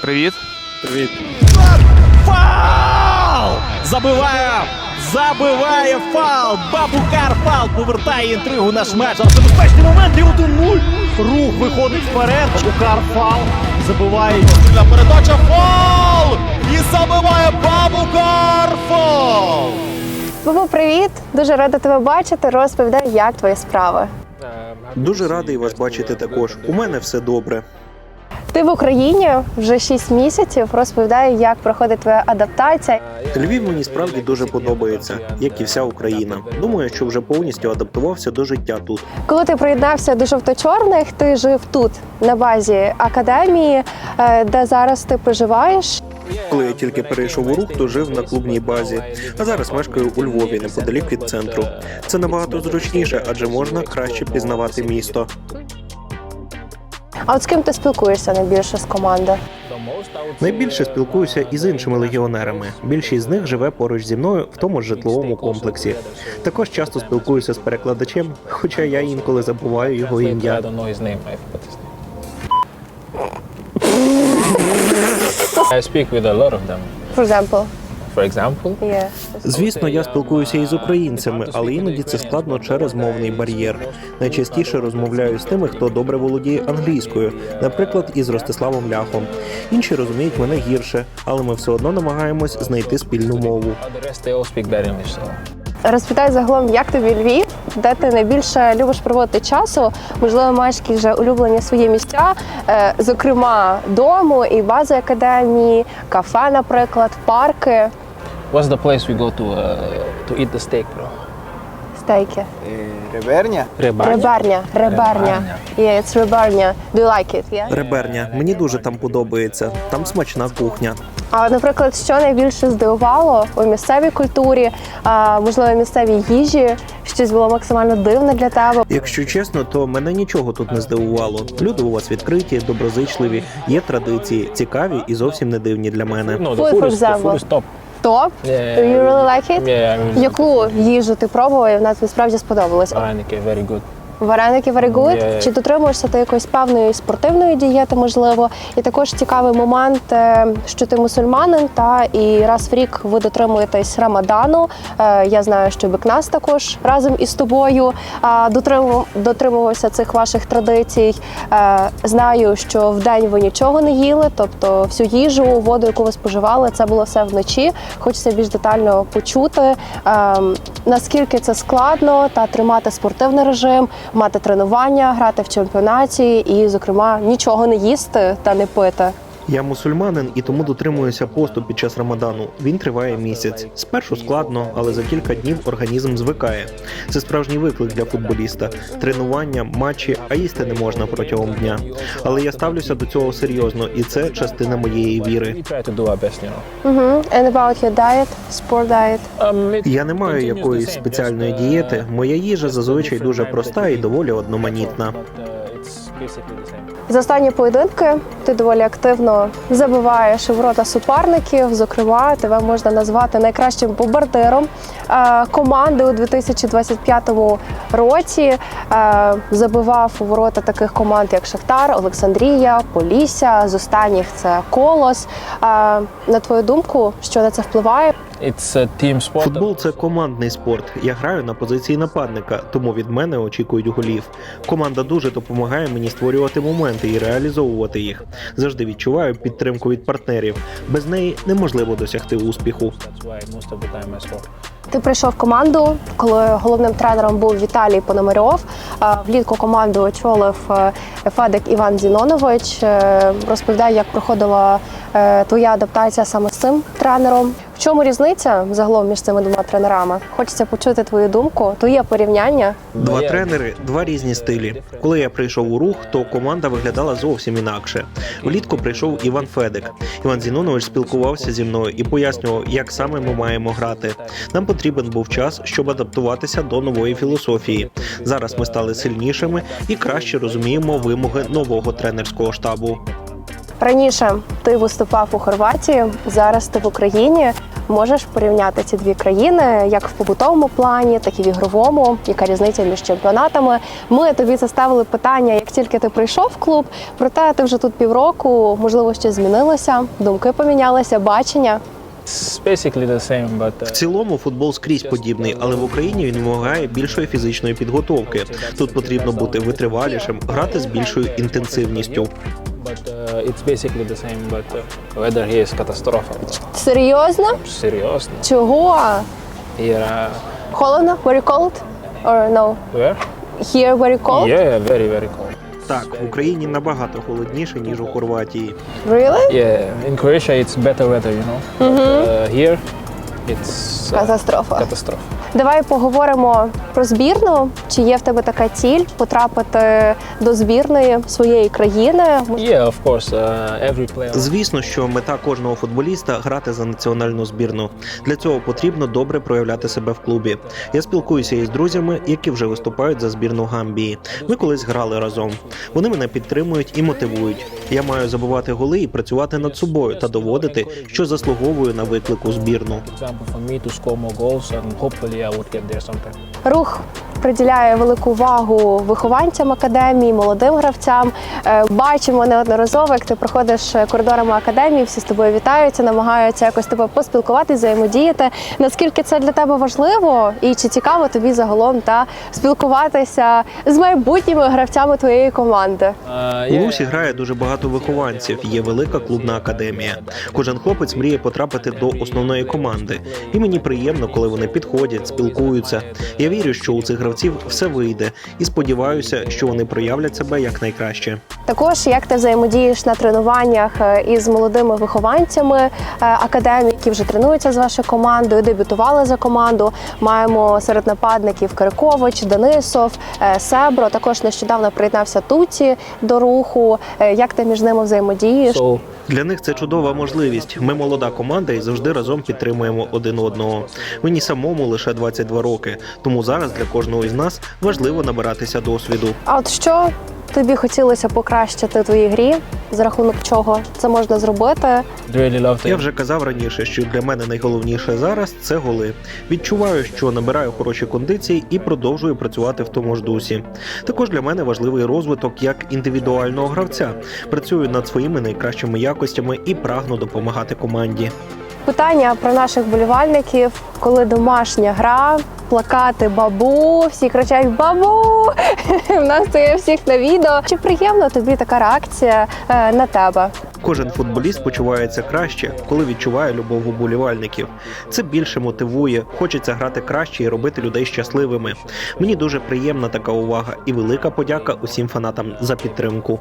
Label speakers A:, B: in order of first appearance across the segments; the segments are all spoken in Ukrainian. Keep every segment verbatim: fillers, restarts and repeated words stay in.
A: Привіт.
B: Привіт.
C: Фаул! Забиває! Забиває фаул! Бабукар фаул повертає інтригу наш матч. Зараз небезпечний момент і один нуль. Рух виходить вперед. Бабукар фаул. Забиває. Сильна передача. Фаул! І забиває Бабукар фаул!
D: Бабу, привіт! Дуже рада тебе бачити. Розповідай, як твої справи.
B: Дуже радий вас бачити також. У мене все добре.
D: Ти в Україні вже шість місяців. Розповідай, як проходить твоя адаптація.
B: Львів мені справді дуже подобається, як і вся Україна. Думаю, що вже повністю адаптувався до життя тут.
D: Коли ти приєднався до жовто-чорних, ти жив тут, на базі академії, де зараз ти проживаєш.
B: Коли я тільки перейшов у рух, то жив на клубній базі, а зараз мешкаю у Львові, неподалік від центру. Це набагато зручніше, адже можна краще пізнавати місто.
D: А от з ким ти спілкуєшся найбільше з команди?
B: Найбільше спілкуюся із іншими легіонерами. Більшість з них живе поруч зі мною в тому ж житловому комплексі. Також часто спілкуюся з перекладачем, хоча я інколи забуваю його ім'я.
E: I speak with a lot of them.
D: For example?
E: For example,
D: Yeah.
B: Звісно, я спілкуюся із українцями, але іноді це складно через мовний бар'єр. Найчастіше розмовляю з тими, хто добре володіє англійською, наприклад, із Ростиславом Ляхом. Інші розуміють мене гірше, але ми все одно намагаємось знайти спільну мову.
E: the rest they all speak bad English. So.
D: Розпитай загалом, як тобі Львів, де ти найбільше любиш проводити часу, можливо, маєш якісь вже улюблені свої місця, е, зокрема, дому і бази академії, кафе, наприклад, парки,
E: What's the place we go to uh, to eat the steak, bro?
D: стейки.
F: Реберня?
E: Ребарня.
D: Реберня, реберня.
E: Реберня.
D: Yeah, it's реберня. Do you like it? Yeah?
B: Реберня. Мені дуже там подобається. Там смачна кухня.
D: А, наприклад, що найбільше здивувало у місцевій культурі, а, можливо, місцевій їжі, щось було максимально дивне для тебе?
B: Якщо чесно, то мене нічого тут не здивувало. Люди у вас відкриті, доброзичливі, є традиції, цікаві і зовсім не дивні для мене.
E: No, the
D: Food,
E: food
D: for
E: is, the
D: example.
E: food is top.
D: Топ?
E: Yeah,
D: Do you really like it?
E: Yeah, I mean,
D: Яку їжу ти пробував і вона тобі справді сподобалась?
E: Вареники, very good.
D: Вареники very good?
E: Yeah.
D: Чи дотримуєшся ти якоїсь певної спортивної дієти, можливо? І також цікавий момент, е, що ти мусульманин, та і раз в рік ви дотримуєтесь Рамадану. Е, Я знаю, що Бекнас також разом із тобою а, дотримував- дотримувався цих ваших традицій. Е, Знаю, що в день ви нічого не їли, тобто всю їжу, воду, яку ви споживали, це було все вночі. Хочеться більш детально почути, е, наскільки це складно та тримати спортивний режим, мати тренування, грати в чемпіонаті і, зокрема, нічого не їсти та не пити.
B: Я мусульманин і тому дотримуюся посту під час Рамадану. Він триває місяць. Спершу складно, але за кілька днів організм звикає. Це справжній виклик для футболіста. Тренування, матчі, а їсти не можна протягом дня. Але я ставлюся до цього серйозно, і це частина моєї віри.
E: We try to do our best, you know.
D: Угу. And about your diet, sport diet?
E: Um, it
B: Я не маю
E: continues the
B: якоїсь
E: same,
B: спеціальної
E: just, uh,
B: дієти. Моя їжа зазвичай
E: different
B: дуже
E: times
B: проста
E: that
B: і
E: we
B: доволі
E: eat,
B: одноманітна.
E: but, uh, it's basically the same.
D: За останні поєдинки ти доволі активно забиваєш у ворота суперників. Зокрема, тебе можна назвати найкращим бомбардиром е, команди у дві тисячі двадцять п'ятому році. Е, Забивав у ворота таких команд, як Шахтар, Олександрія, Полісся. З останніх це Колос. Е, На твою думку, що на це впливає?
E: It's a team sport.
B: Футбол – це командний спорт. Я граю на позиції нападника, тому від мене очікують голів. Команда дуже допомагає мені створювати моменти і реалізовувати їх. Завжди відчуваю підтримку від партнерів. Без неї неможливо досягти успіху.
E: That's why most of the time I score.
D: Ти прийшов в команду, коли головним тренером був Віталій Пономарьов. Е, Влітку команду очолив е, Федик Іван Зінонович. Е, Розповідай, як проходила е, твоя адаптація саме з цим тренером. В чому різниця загалом між цими двома тренерами? Хочеться почути твою думку. Твоє порівняння.
B: Два тренери, два різні стилі. Коли я прийшов у рух, то команда виглядала зовсім інакше. Влітку прийшов Іван Федик. Іван Зінонович спілкувався зі мною і пояснював, як саме ми маємо грати. Нам потрібен був час, щоб адаптуватися до нової філософії. Зараз ми стали сильнішими і краще розуміємо вимоги нового тренерського штабу.
D: Раніше ти виступав у Хорватії, зараз ти в Україні. Можеш порівняти ці дві країни як в побутовому плані, так і в ігровому, яка різниця між чемпіонатами. Ми тобі заставили питання, як тільки ти прийшов в клуб, проте ти вже тут півроку, можливо, щось змінилося, думки помінялися, бачення.
E: It's basically the same, but
B: В
E: uh,
B: цілому футбол скрізь подібний, але в Україні він вимагає більшої фізичної підготовки. Тут потрібно бути витривалішим, грати з більшою інтенсивністю.
E: but uh, it's basically the same. But uh, weather here is катастрофа.
D: Серйозно?
E: Серйозно.
D: Чого?
E: Here, uh,
D: Холодно? Very cold? Or no?
E: where?
D: Here very cold?
E: Yeah, very very cold.
B: Так, в Україні набагато холодніше, ніж у Хорватії.
D: Really?
E: Yeah, in Croatia it's better weather, you know. But, uh, here it's uh,
D: Катастрофа.
E: катастрофа.
D: Давай поговоримо про збірну. Чи є в тебе така ціль потрапити до збірної своєї країни?
E: Yeah, of course. Uh, every player.
B: Звісно, що мета кожного футболіста грати за національну збірну. Для цього потрібно добре проявляти себе в клубі. Я спілкуюся із друзями, які вже виступають за збірну Гамбії. Ми колись грали разом. Вони мене підтримують і мотивують. Я маю забивати голи і працювати над собою та доводити, що заслуговую на виклик у збірну.
E: Example for me to score more goals and hopefully I would get there sometime.
D: Рух приділяє велику увагу вихованцям академії, молодим гравцям. Е, Бачимо неодноразово, як ти проходиш коридорами академії, всі з тобою вітаються, намагаються якось тебе поспілкуватися, взаємодіяти. Наскільки це для тебе важливо і чи цікаво тобі загалом та спілкуватися з майбутніми гравцями твоєї команди?
E: Uh,
B: У Русі грає дуже багато вихованців, є велика клубна академія. Кожен хлопець мріє потрапити до основної команди. І мені приємно, коли вони підходять, спілкуються. Я вірю, що у цих гравців все вийде і сподіваюся, що вони проявлять себе якнайкраще.
D: Також як ти взаємодієш на тренуваннях е, із молодими вихованцями е, академії, які вже тренуються з вашою командою, дебютували за команду. Маємо серед нападників Кирикович, Денисов, е, Себро. Також нещодавно приєднався Туті до руху. Е, Як ти між ними взаємодієш?
E: so
B: Для них це чудова можливість. Ми молода команда і завжди разом підтримуємо один одного. Мені самому лише двадцять два роки, тому зараз для кожного із нас важливо набиратися досвіду.
D: А от що тобі хотілося покращити в твоїй грі? За рахунок чого це можна зробити?
E: really love to.
B: Я вже казав раніше, що для мене найголовніше зараз це голи. Відчуваю, що набираю хороші кондиції і продовжую працювати в тому ж дусі. Також для мене важливий розвиток як індивідуального гравця. Працюю над своїми найкращими якостями і прагну допомагати команді.
D: Питання про наших болівальників, коли домашня гра, плакати «Бабу», всі кричать «Бабу!» У нас це є всіх на відео. Чи приємна тобі така реакція е, на тебе?
B: Кожен футболіст почувається краще, коли відчуває любов уболівальників. Це більше мотивує, хочеться грати краще і робити людей щасливими. Мені дуже приємна така увага і велика подяка усім фанатам за підтримку.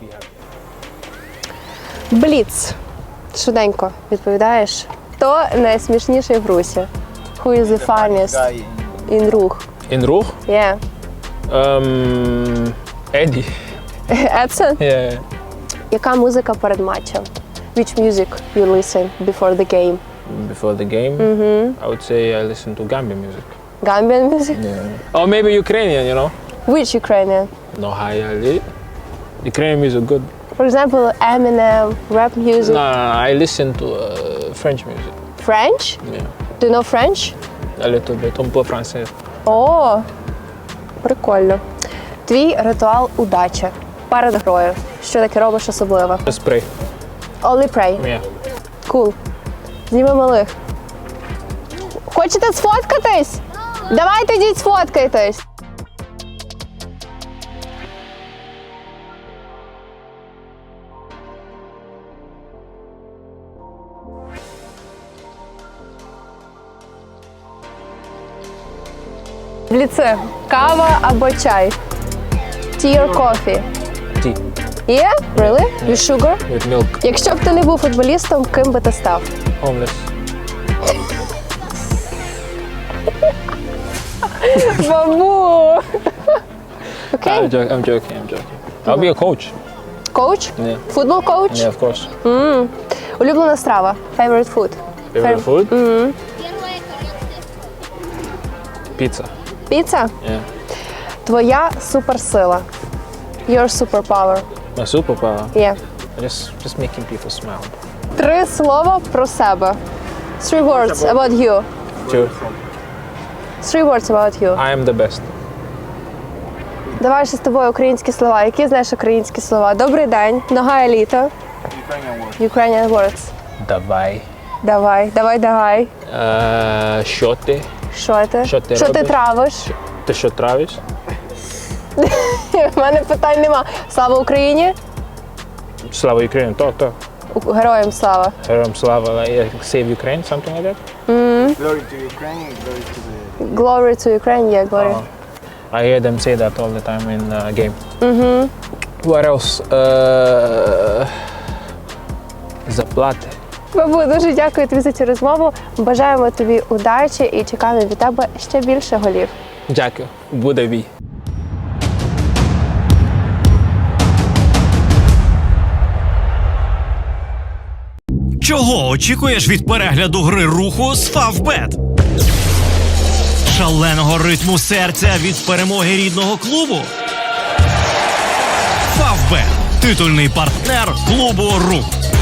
D: Бліц. Швиденько відповідаєш. Хто найсмішніший в Русі? Who is the funniest in Рух?
E: In Ruch?
D: Yeah.
E: Um, Eddie.
D: Едсон?
E: Yeah.
D: Яка музика перед матчем? Which music you listen before the game?
E: Before the game, I would say I listen to Gambian music.
D: Gambian music?
E: Yeah. Or maybe Ukrainian, you know.
D: Which Ukrainian?
E: No highly. Ukrainian music good.
D: For example, Eminem, rap music.
E: No, no, no, I listen to uh, French music.
D: French?
E: Yeah.
D: Do you know French?
E: A little bit, un peu français.
D: О, прикольно. Твій ритуал удачі перед грою. Що таке робиш особливо?
E: Just pray.
D: Only pray.
E: Yeah.
D: Cool. Зніми малих. Хочете сфоткатись? Давайте йдіть сфоткайтесь. Бліци. Кава або чай? Tea or coffee?
E: Tea
D: Yeah? Really? With sugar?
E: with milk.
D: Якщо б ти не був футболістом, ким би ти став?
E: Homeless.
D: Бабу! Окей.
E: I'm, jo- I'm joking, I'm joking. I'll be a coach.
D: Коуч?
E: Yeah.
D: Футбол коуч?
E: Yeah, of course.
D: Улюблена страва? Favorite food?
E: Favorite food?
D: Mm-hmm.
E: Pizza.
D: Піца?
E: Yeah.
D: Твоя суперсила? Your superpower?
E: My superpower.
D: Є.
E: Just, just making people smile.
D: Три слова про себе. Three words about you.
E: Two.
D: Three words about you.
E: I am the best.
D: Давай ще з тобою українські слова. Які знаєш українські слова? Добрий день. Нога еліта. Ukrainian words.
E: Давай.
D: Давай, давай, давай.
E: Е, що ти?
D: Що ти?
E: Що ти
D: Що ти
E: робиш?
D: травиш?
E: Ти що травиш?
D: У мене питань нема. Слава Україні!
E: Слава Україні, то, то.
D: У- Героям слава.
E: Героям слава, like, save Ukraine, something like that?
A: Glory to Ukraine, glory to the
D: Glory to Ukraine, yeah, glory.
E: I hear them say that all the time in uh, game. Mm-hmm. What else? Uh, заплати.
D: Бабу, дуже дякую тобі за цю розмову. Бажаємо тобі удачі і чекаємо від тебе ще більше голів.
E: Дякую. Буде бій.
F: Чого очікуєш від перегляду гри руху з Фавбет? Шаленого ритму серця від перемоги рідного клубу? Фавбет – титульний партнер клубу Рух.